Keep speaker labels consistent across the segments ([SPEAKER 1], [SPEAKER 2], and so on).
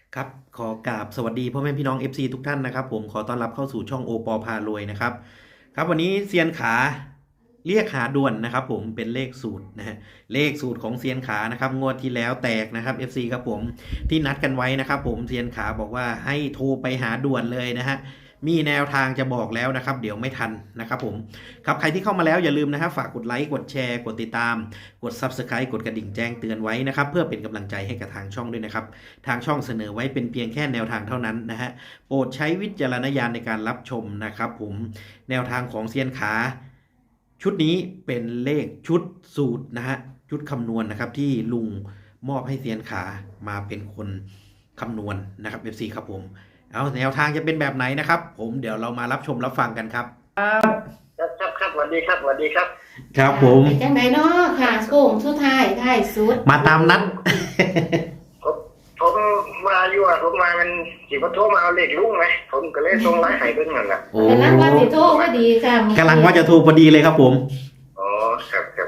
[SPEAKER 1] ครับขอกราบสวัสดีพ่อแม่พี่น้อง FC ทุกท่านนะครับผมขอต้อนรับเข้าสู่ช่องโอปอพารวยนะครับครับวันนี้เซียนขาเรียกหาด่วนนะครับผมเป็นเลขสูตรนะฮะเลขสูตรของเซียนขานะครับงวดที่แล้วแตกนะครับ FC ครับผมที่นัดกันไว้นะครับผมเซียนขาบอกว่าให้โทรไปหาด่วนเลยนะฮะมีแนวทางจะบอกแล้วนะครับเดี๋ยวไม่ทันนะครับผมครับใครที่เข้ามาแล้วอย่าลืมนะครับฝากกดไลค์กดแชร์กดติดตามกด Subscribe กดกระดิ่งแจ้งเตือนไว้นะครับเพื่อเป็นกำลังใจให้กับทางช่องด้วยนะครับทางช่องเสนอไว้เป็นเพียงแค่แนวทางเท่านั้นนะฮะโปรดใช้วิจารณญาณในการรับชมนะครับผมแนวทางของเซียนขาชุดนี้เป็นเลขชุดสูตรนะฮะชุดคำนวณนะครับที่ลุงมอบให้เซียนขามาเป็นคนคำนวณนะครับ FC ครับผมเอาแนวทางจะเป็นแบบไหนนะครับผมเดี๋ยวเรามารับชมรับฟังกันครับ
[SPEAKER 2] ครับสวัสดีครับสวัสดีครับ
[SPEAKER 1] ครับผม
[SPEAKER 3] จังไดเนาะค่ะโค้งสุดท้ายท้ายสุด
[SPEAKER 1] มาตามนัด
[SPEAKER 2] ผมมาอยู่อ่ะผมมามันสิบโทรมาเอาเลขลุงไหมผมก็เลยส่งไลน์ให้เพิ่นนั่นแหละ
[SPEAKER 1] โอ้
[SPEAKER 3] กำลังว่าสิโทรพอดีค่ะ
[SPEAKER 1] กำลังว่าจะโทรพอดีเลยครับผม
[SPEAKER 2] อ๋อครับ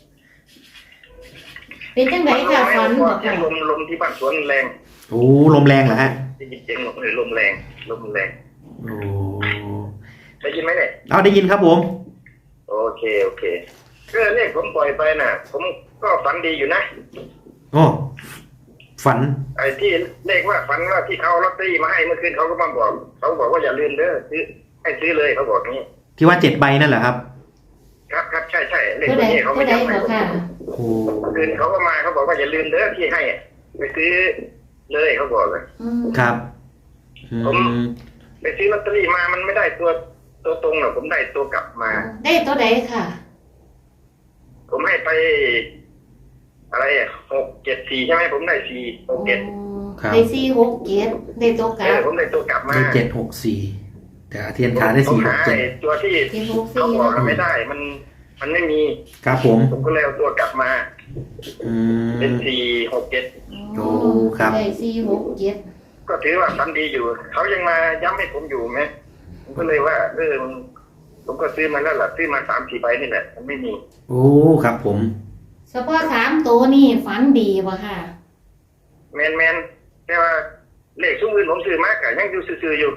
[SPEAKER 3] เป็นจังไดค่ะฝันบอกค่ะ
[SPEAKER 2] ลมที่บ้านสวนแรง
[SPEAKER 1] โอ้ลมแรงเหรอฮะ
[SPEAKER 2] ได้ยินเสียงลมแรง
[SPEAKER 1] โอ้
[SPEAKER 2] ได้ยินไหมเนี่ย
[SPEAKER 1] เอาได้ยินครับผม
[SPEAKER 2] โอเคก็เลขผมปล่อยไปน่ะผมก็ฝันดีอยู่นะ
[SPEAKER 1] โอ้ฝัน
[SPEAKER 2] ไอ้ที่เลขว่าฝันว่าที่เขาลอตเตอรี่มาให้เมื่อคืนเขาก็มาบอกเขาบอกว่าอย่าลืมเด้อซื้อให้ซื้อเลยเขาบอกนี้
[SPEAKER 1] ที่ว่า7 ใบนั่นเหรอครับ
[SPEAKER 2] ครับใช่เลขตัวนี้เขาไม่จำให้ผม
[SPEAKER 1] โอ้
[SPEAKER 2] คืนเขาก็มาเขาบอกว่าอย่าลืมเด้อที่ให้ไปซื้อเลยเขาบอกเลย
[SPEAKER 1] ครับ
[SPEAKER 2] ผมไปซื้อลอตเตอรี่มามันไม่ได้ตัวตรงหรอกผมได้ตัวกลับมา
[SPEAKER 3] ได้ตัวใดค่ะ
[SPEAKER 2] ผมให้ไปอะไร674ใช่ไหมผมได้467
[SPEAKER 3] ได้467ได้ตัวกลับ
[SPEAKER 2] ผมได้ตัวกลับมา
[SPEAKER 1] ได้764แต่เทียนขาได้467
[SPEAKER 2] ตัวที่เขาบอกไม่ได้มันไม่มี
[SPEAKER 1] ครับผม
[SPEAKER 2] ก็เลยเอาตัวกลับมาเป็น467
[SPEAKER 1] โอ้ครับ
[SPEAKER 3] ได้467
[SPEAKER 2] ก็ถือว่าฝันดีอยู่เขายังมาย้ำให้ผมอยู่ไหมผมก็เลยว่าผมก็ซื้อมาแล้วล่ะซื้อมา 3-4 ใบนี่แหละมันไม่มี
[SPEAKER 1] โอ้ครับผม
[SPEAKER 3] เฉพาะ3ตัวนี่ฝันดีป่ะค่ะ
[SPEAKER 2] แมนแต่ว่าเลขซุ้มอื่นผมซื้อมากยังอยู่ซื้ออยู่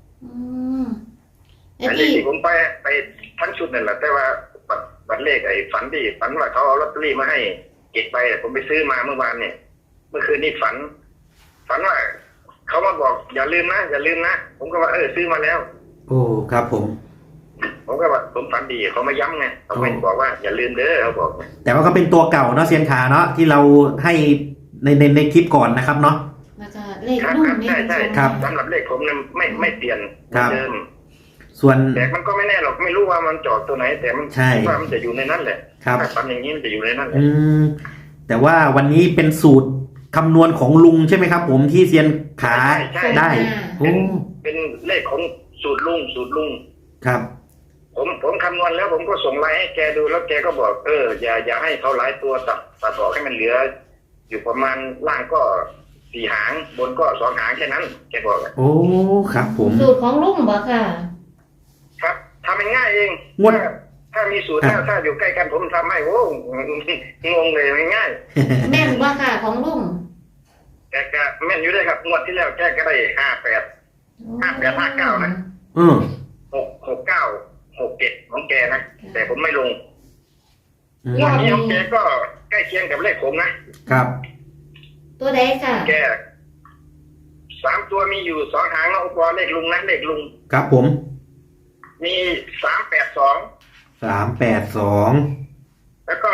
[SPEAKER 2] เลขที่ผมไปทั้งชุดนั่นแหละแต่ว่าบัตรเลขไอ้ฝันว่าเขาเอาลอตเตอรี่มาให้เก็บไปผมไปซื้อมาเมื่อวานเนี่ยเมื่อคืนนี้ฝันว่าเขามาบอกอย่าลืมนะผมก็ว่าซื้อมาแล้ว
[SPEAKER 1] โอ้ครับผม
[SPEAKER 2] ก็ว่าผมฝันดีเขามาย้ำไงเขาไม่บอกว่าอย่าลืมเด้อเขาบอก
[SPEAKER 1] แต่ว่าก็เป็นตัวเก่าเนาะเซียนขาเนาะที่เราให้ในคลิปก่อนนะครับเนาะ
[SPEAKER 3] แล้วก็เลขนุ่มนี่
[SPEAKER 2] ใช่ครับสำหรับเลขผมเนี่ยไม่เปลี่ยนเดิม
[SPEAKER 1] ส่วน
[SPEAKER 2] แต่มันก็ไม่แน่หรอกไม่รู้ว่ามันจอดตัวไหนแต่มันว่ามันจะอยู่ในนั้นแหละ
[SPEAKER 1] ครับ
[SPEAKER 2] ฝันอย่างนี้มันจะอยู่ในนั้นแหละ
[SPEAKER 1] แต่ว่าวันนี้เป็นสูตรคำนวณของลุงใช่ไหมครับผมที่เซียนขาได้
[SPEAKER 2] เป็นเลขของสูตรลุง
[SPEAKER 1] ครับ
[SPEAKER 2] ผมคำนวณแล้วผมก็ส่งไลน์ให้แกดูแล้วแกก็บอกอย่าให้เขาหลายตัวตัดออกให้มันเหลืออยู่ประมาณล่างก็4 หางบนก็2 หางแค่นั้นแกบอก
[SPEAKER 1] โอ้ครับผม
[SPEAKER 3] สูตรของลุงบ่ค่ะ
[SPEAKER 2] ครับทำง่ายเองถ้ามีสูตรถ้าอยู่ใกล้กันผมทำให้โอ้งงเลยง่าย
[SPEAKER 3] แม่นบ่ค่ะของลุง
[SPEAKER 2] แกก็แม่นอยู่ด้วยครับงวดที่แล้วแกก็ได้5859นะ66967ของแกนะแต่ผมไม่ลงงวดนี้ของแกก็ใกล้เคียงกับเลขผม
[SPEAKER 1] นะครับ
[SPEAKER 3] ตัวใดค่ะ
[SPEAKER 2] แก3 ตัวมีอยู่2 หางแล้วอุปกรณ์เลขลุงนะเลขลุง
[SPEAKER 1] ครับผม
[SPEAKER 2] มี382แล้วก็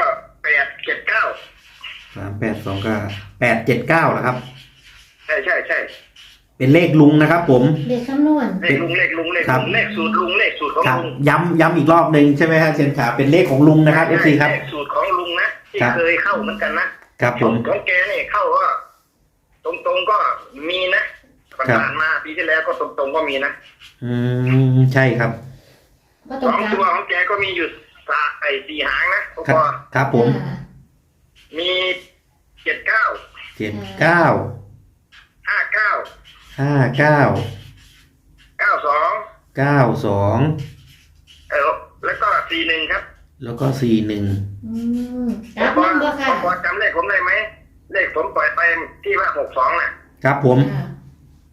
[SPEAKER 2] 879
[SPEAKER 1] 382ก็879เหรอครับ
[SPEAKER 2] ใช่
[SPEAKER 1] เป็นเลขลุงนะครับผม
[SPEAKER 3] เลขคำนวณ
[SPEAKER 2] เลขลุงเลขสูตรลุงเลขสูตรของลุง
[SPEAKER 1] ย้ำอีกรอบนึงใช่ไหมครับเซียนขาเป็นเลขของลุงนะครับ FC ครับ
[SPEAKER 2] เลขสูตรของลุงนะที่เคยเข้าเหมือนกันนะครับ
[SPEAKER 1] ผม
[SPEAKER 2] ของแกนี่เข้าก็ตรงก็มีนะผ่านมาปีที่แล้วก็ตรงก็มีนะ
[SPEAKER 1] ใช่ครับ
[SPEAKER 2] 2 ตัวของแกก็มีอยู่4 หางนะ
[SPEAKER 1] ครับผม
[SPEAKER 2] มี79 59 แล้วก็41ครับ
[SPEAKER 1] แล้วก็
[SPEAKER 3] แล้ว
[SPEAKER 2] พอจำเลขผมได้ไหมเลขผมปล่อยไปที่ว่า62น่ะ
[SPEAKER 1] ครับผม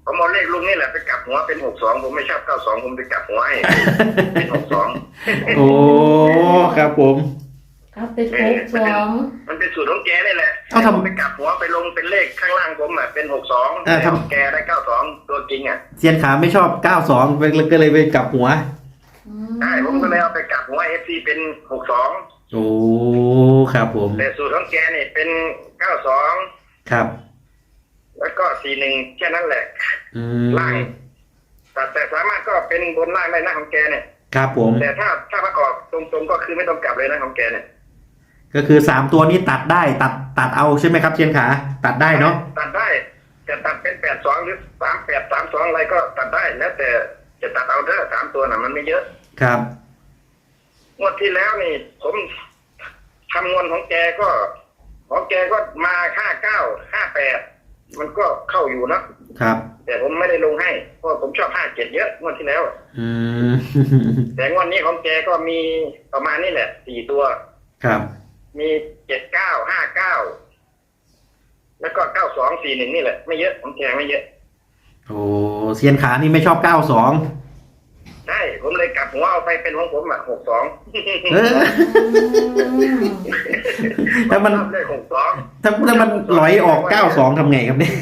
[SPEAKER 2] ผมเอาเลขลุงนี่แหละไปกลับหัวเป็น62ผมไม่ชอบ92ผมไปกลับหัวให้ เป็น62
[SPEAKER 1] โอ้ครับผม
[SPEAKER 3] เอาเป็น62
[SPEAKER 2] มันเป็นสูตรของแกนี่แหละ
[SPEAKER 1] เอาทำ
[SPEAKER 2] ผมไปกลับหัวไปลงเป็นเลขข้างล่างผมอ่ะเป็น62แต่ของแกได้92ตัวจริงอ่ะ
[SPEAKER 1] เซียนขาไม่ชอบ92ก็เลยไปกลับหัว
[SPEAKER 2] ใช่ผมก็เลยเอาไปกลับหัว FC เป็น62
[SPEAKER 1] โอ้ครับผม
[SPEAKER 2] แต่สูตรของแกนี่เป็น92
[SPEAKER 1] ครับ
[SPEAKER 2] แล้วก็41แค่นั้นแหละ
[SPEAKER 1] อื
[SPEAKER 2] ล่าง
[SPEAKER 1] ม
[SPEAKER 2] แต่สามารถก็เป็นบนล่างได้นะของแกเนี่ย
[SPEAKER 1] ครับผม
[SPEAKER 2] แต่ถ้าประกอบตรงๆก็คือไม่ต้องกลับเลยนะของแกเนี่ย
[SPEAKER 1] ก็คือ3ตัวนี้ตัดได้ตัดเอาใช่ไหมครับเซียนขาตัดได้เนาะ
[SPEAKER 2] ตัดได้จะตัดเป็น82หรือ3832อะไรก็ตัดได้แล้วแต่จะตัดเอาเด้อ3ตัวน่ะมันไม่เยอะ
[SPEAKER 1] ครับ
[SPEAKER 2] งวดที่แล้วนี่ผมคำนวณของแกก็มา59 58มันก็เข้าอยู่นะครับ แต่ผมไม่ได้ลงให้เพราะผมชอบ57เยอะงวดที่แล้ว
[SPEAKER 1] อืม
[SPEAKER 2] แต่งวดนี้ของแกก็มีประมาณนี้แหละ4ตัว
[SPEAKER 1] ครับ
[SPEAKER 2] มี79 59แล้วก็9241นี่แหละไม่เยอะของแกไม่เยอะ
[SPEAKER 1] โอ้เซียนขานี่ไม่ชอบ92
[SPEAKER 2] ใช่ผมเลยกลับหัวเอาไปเป็นของผมอ่ะ62
[SPEAKER 1] เออ ถ้ามัน
[SPEAKER 2] ชอบเลข62
[SPEAKER 1] ถ้ามันลอยออก92ทำไงครับเนี่ย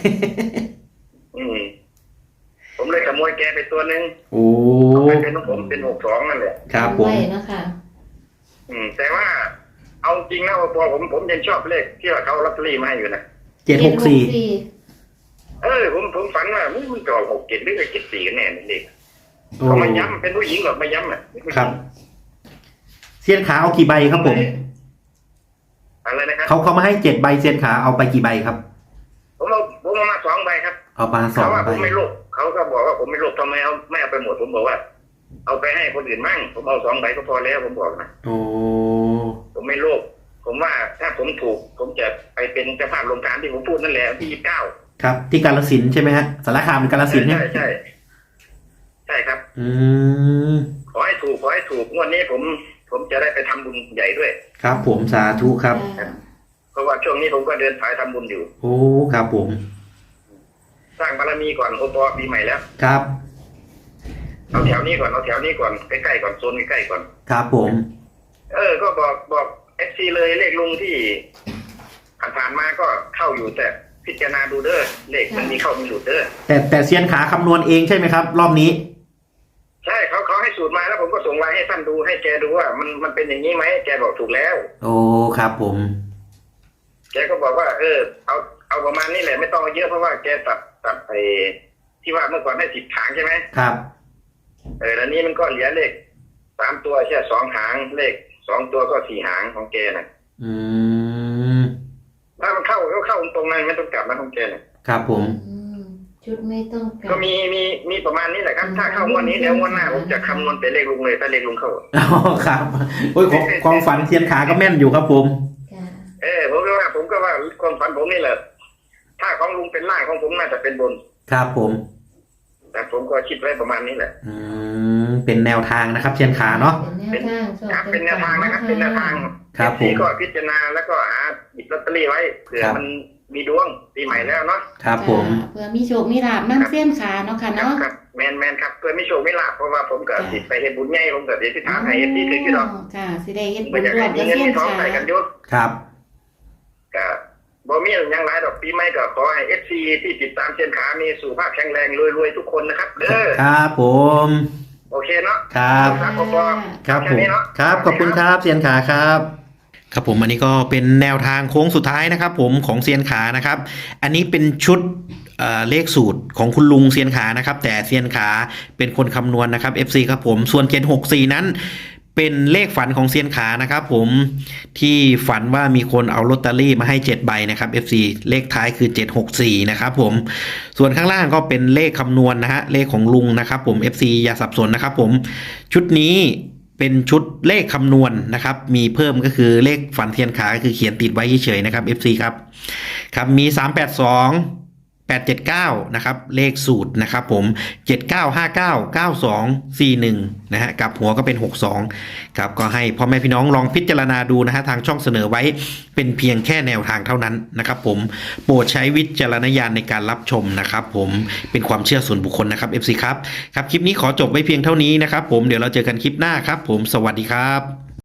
[SPEAKER 2] ผมเลยขโมยแกไปตัวหนึ่ง
[SPEAKER 1] โอ้
[SPEAKER 2] เอาไปเป็นของผมเป็น62นั่นแหละ
[SPEAKER 1] ครับผม
[SPEAKER 3] ไว้นะคะ
[SPEAKER 2] แต่ว่าเอาจริงนะพอผมยังชอบเลขที่ว่าเขาลอตเตอรี่มาให้อยู่นะ
[SPEAKER 1] 764
[SPEAKER 2] ผมฝันว่ามันจะออก67หรือ74กันแน่นี่เด็ก
[SPEAKER 1] โอ้
[SPEAKER 2] เขามาย้ำเป็นผู้หญิงหรอกมาย้ำอ่ะ
[SPEAKER 1] ครับเซียนขาเอากี่ใบครับผม
[SPEAKER 2] อะไรนะครับ
[SPEAKER 1] เขามาให้7ใบเซียนขาเอาไปกี่ใบครับ
[SPEAKER 2] ผมเอามา2 ใบครับ
[SPEAKER 1] เอามา
[SPEAKER 2] เขาว่า
[SPEAKER 1] 2
[SPEAKER 2] ผ
[SPEAKER 1] ใบ
[SPEAKER 2] มไม่โลภเขาก็บอกว่าผมไม่โลภทำไมไม่เอาไปหมดผมบอกว่า เอาไปให้คนอื่นมั่งผมเอา2 ใบก็พอแล้วผมบอกนะ
[SPEAKER 1] โอ้
[SPEAKER 2] ผมไม่โลภผมว่าถ้าผมถูกผมจะไปเป็นเจ้าภาพโรงการที่ผมพูดนั่นแหละที่29
[SPEAKER 1] ครับที่กาฬสินธุ์ใช่ไหมฮะสารคามกาฬสินธุ์เนี่ย
[SPEAKER 2] ใช่ครับ
[SPEAKER 1] อืม
[SPEAKER 2] ขอให้ถูกงวดนี้ผมจะได้ไปทำบุญใหญ่ด้วย
[SPEAKER 1] ครับผมสาธุครับ
[SPEAKER 2] เพราะว่าช่วงนี้ผมก็เดินสายทำบุญอยู่
[SPEAKER 1] โอ้ครับผม
[SPEAKER 2] สร้างบารมีก่อนโอปอปีใหม่แล้ว
[SPEAKER 1] ครับ
[SPEAKER 2] เอาแถวนี้ก่อนใกล้ๆก่อนโซนใกล้ๆก่อน
[SPEAKER 1] ครับผม
[SPEAKER 2] ก็บอกFC เลยเลขลุงที่ผ่านมาก็เข้าอยู่แต่พิจารณาดูเด้อเลขมันมีเข้ามีหลุดเด้อ
[SPEAKER 1] แต่เซียนขาคำนวณเองใช่ไหมครับ รอบนี้
[SPEAKER 2] ใช่เขาให้สูตรมาแล้วผมก็ส่งไลน์ให้ท่านดูให้แกดูว่ามันเป็นอย่างนี้ไหมแกบอกถูกแล้ว
[SPEAKER 1] โอ้ครับผม
[SPEAKER 2] แกก็บอกว่าเอาประมาณนี้แหละไม่ต้องเอาเยอะเพราะว่าแกตัดไปที่ว่าเมื่อก่อนให้10 หางใช่ไหม
[SPEAKER 1] ครับ
[SPEAKER 2] แล้วนี้มันก็เหลือเลข3 ตัวแค่2 หางเลข2 ตัวก็4 หางของแกน่ะ
[SPEAKER 1] อืม
[SPEAKER 2] ถ้ามันเข้าตรงนั้นไม่ต้องกลับนะของแกน่ะ
[SPEAKER 1] ครับผม
[SPEAKER 3] ชุดไม่ต้องกลับ
[SPEAKER 2] ก็มีประมาณนี้แหละครับถ้าเข้างวดนี้แล้วงวดหน้าผมจะคำนวณแต่เลขลุงเลยถ้าเลขลุงเข้า
[SPEAKER 1] อ๋อครับโอ้ยความฝันเซียนขาก็แม่นอยู่ครับผม
[SPEAKER 3] จ้ะ
[SPEAKER 2] ผมก็ว่าความฝันผมนี่แหละถ้าของลุงเป็นล่างของผมน่าจะเป็นบน
[SPEAKER 1] ครับผม
[SPEAKER 2] แต่ผมก็คิดไว้ประมาณนี้แหละ
[SPEAKER 1] เป็นแนวทางนะครับเซียนขาเนาะ
[SPEAKER 3] เป็นแนวทางชอบ
[SPEAKER 2] ครับเป็นแนวทางนะครับเป็นแนวทาง
[SPEAKER 1] ครับผม
[SPEAKER 2] ก็พิจารณาแล้วก็หาหยิบลอตเตอรี่ไว้เผื่อมันมีดวงปีใหม่แล้วเนาะ
[SPEAKER 1] ครับผม
[SPEAKER 3] เพื่อมีโชคมีลาภน้ำเสี้ยนขาเนาะค่ะเนาะ
[SPEAKER 2] ครับแมนครับเพื่อไม่โชคไม่ลาภเพราะว่าผมก็ติดไปเฮ็ดบุญใหญ่ผมก็ติดที่ฐานให้เอฟซีถึงที่ดอก
[SPEAKER 3] ค่ะสิได้เฮ็ดบุ
[SPEAKER 2] ไม่
[SPEAKER 3] ญ
[SPEAKER 2] อยาก
[SPEAKER 3] ร่ว
[SPEAKER 2] ให้
[SPEAKER 3] ม
[SPEAKER 2] มี
[SPEAKER 3] กับ
[SPEAKER 2] เงิน
[SPEAKER 3] เสี้ย
[SPEAKER 2] มี
[SPEAKER 3] น
[SPEAKER 2] ทอง
[SPEAKER 3] ขา
[SPEAKER 2] ใส่กันอยู่
[SPEAKER 1] ครับ
[SPEAKER 2] ก็บ่มีอย่างไรดอกปีใหม่ก็ขอให้ FC ที่ติดตามเส้นขามีสุขภาพแข็งแรงรวยๆทุกคนนะครับเด้อ
[SPEAKER 1] ครับผม
[SPEAKER 2] โอเคเนาะ
[SPEAKER 1] ครับ
[SPEAKER 2] ครับผม
[SPEAKER 1] ครับ
[SPEAKER 2] แค่
[SPEAKER 1] ผม
[SPEAKER 2] นี้เนาะ
[SPEAKER 1] ครับขอบคุณครับเซียนขาครับครับผมอันนี้ก็เป็นแนวทางโค้งสุดท้ายนะครับผมของเซียนขานะครับอันนี้เป็นชุดเลขสูตรของคุณลุงเซียนขานะครับแต่เซียนขาเป็นคนคำนวณนะครับ FC ครับผมส่วน764นั้นเป็นเลขฝันของเซียนขานะครับผมที่ฝันว่ามีคนเอาลอตเตอรี่มาให้7 ใบนะครับ FC เลขท้ายคือ764นะครับผมส่วนข้างล่างก็เป็นเลขคำนวณนะฮะเลขของลุงนะครับผม FC อย่าสับสนนะครับผมชุดนี้เป็นชุดเลขคำนวณนะครับมีเพิ่มก็คือเลขฝันเทียนขาก็คือเขียนติดไว้เฉยๆนะครับ FC ครับครับมี382 879นะครับเลขสูตรนะครับผม79599241นะฮะกับหัวก็เป็น62ครับก็ให้พ่อแม่พี่น้องลองพิจารณาดูนะฮะทางช่องเสนอไว้เป็นเพียงแค่แนวทางเท่านั้นนะครับผมโปรดใช้วิจารณญาณในการรับชมนะครับผมเป็นความเชื่อส่วนบุคคลนะครับ FC ครับคลิปนี้ขอจบไว้เพียงเท่านี้นะครับผมเดี๋ยวเราเจอกันคลิปหน้าครับผมสวัสดีครับ